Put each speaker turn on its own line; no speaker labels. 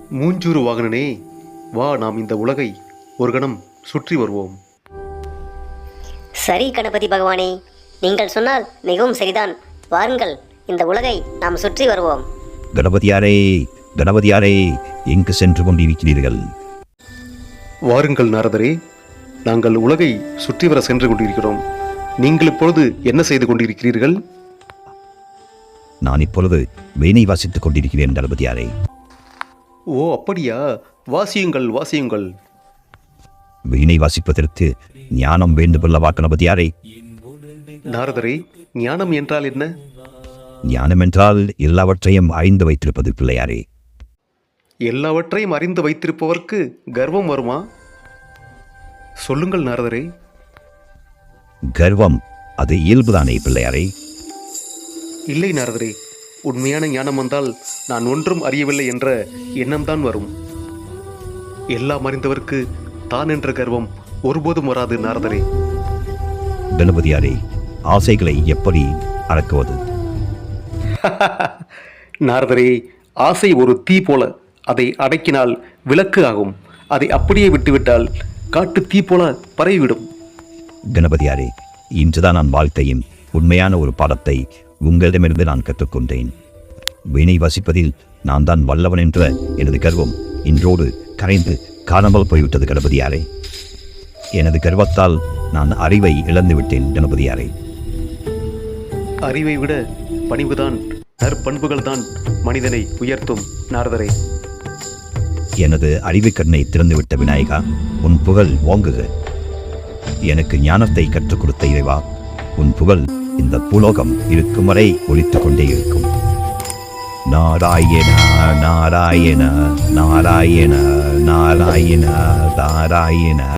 மூஞ்சூறு வாகனனே, வா, நாம் இந்த உலகை ஒரு கணம் சுற்றி வருவோம்.
சரி கணபதி பகவானே, நீங்கள் சொன்னால் மிகவும் சரிதான். வாருங்கள், இந்த உலகை நாம் சுற்றி வருவோம்.
கணபதியாரே, கணபதியாரே, எங்கு சென்று கொண்டிருக்கிறீர்கள்?
வாருங்கள் நாரதரே, நாங்கள் உலகை சுற்றி வர சென்று கொண்டிருக்கிறோம். நீங்கள் இப்பொழுது என்ன செய்து கொண்டிருக்கிறீர்கள்?
நான் இப்பொழுது வீணை வாசித்துக் கொண்டிருக்கிறேன் கணபதியாரே.
ஓ, அப்படியா? வாசியுங்கள், வாசியுங்கள்.
வீணை வாசிப்பதற்கு ஞானம் வேண்டுமல்லவா கணபதியாரே?
நாரதரே, ஞானம் என்றால் என்ன?
ஞானம் என்றால் எல்லாவற்றையும் அறிந்து வைத்திருப்பது பிள்ளையாரே.
எல்லாவற்றையும் அறிந்து வைத்திருப்பவர்க்கு கர்வம் வருமா? சொல்லுங்கள் நாரதரே.
கர்வம் அது இயல்புதானே பிள்ளையாரே?
இல்லை நாரதரே, உண்மையான ஞானம் வந்தால் நான் ஒன்றும் அறியவில்லை என்ற எண்ணம்தான் வரும். எல்லாம் அறிந்தவர்க்கு தான் என்ற கர்வம் ஒருபோதும் வராது நாரதரே.
கணபதியாரே, ஆசைகளை எப்படி அடக்குவது?
நாரதரே, ஆசை ஒரு தீ போல. அதை அடக்கினால் விளக்கு ஆகும். அதை அப்படியே விட்டுவிட்டால் காட்டு தீ போல பரவிவிடும்.
கணபதியாரே, இன்றுதான் நான் வாழ்க்கையும் உண்மையான ஒரு பாடத்தை உங்களிடமிருந்து நான் கற்றுக்கொண்டேன். வீணை வாசிப்பதில் நான் தான் வல்லவன் என்ற எனது கர்வம் இன்றோடு கரைந்து காணாமல் போய்விட்டது கணபதியாரே. எனது கர்வத்தால் நான் அறிவை இழந்துவிட்டேன் கணபதியாரே.
அறிவை விட பணிவுதான், நற்பண்புகள் தான் மனிதனை உயர்த்தும் நாரதரே.
எனது அறிவு கண்ணை திறந்துவிட்ட விநாயகா, உன் புகழ் ஓங்குக. எனக்கு ஞானத்தை கற்றுக் கொடுத்த இறைவா, உன் புகழ் இந்த பூலோகம் இருக்கும் வரை ஒலித்துக் கொண்டே இருக்கும். நாராயண நாராயண நாராயண நாராயண நாராயண.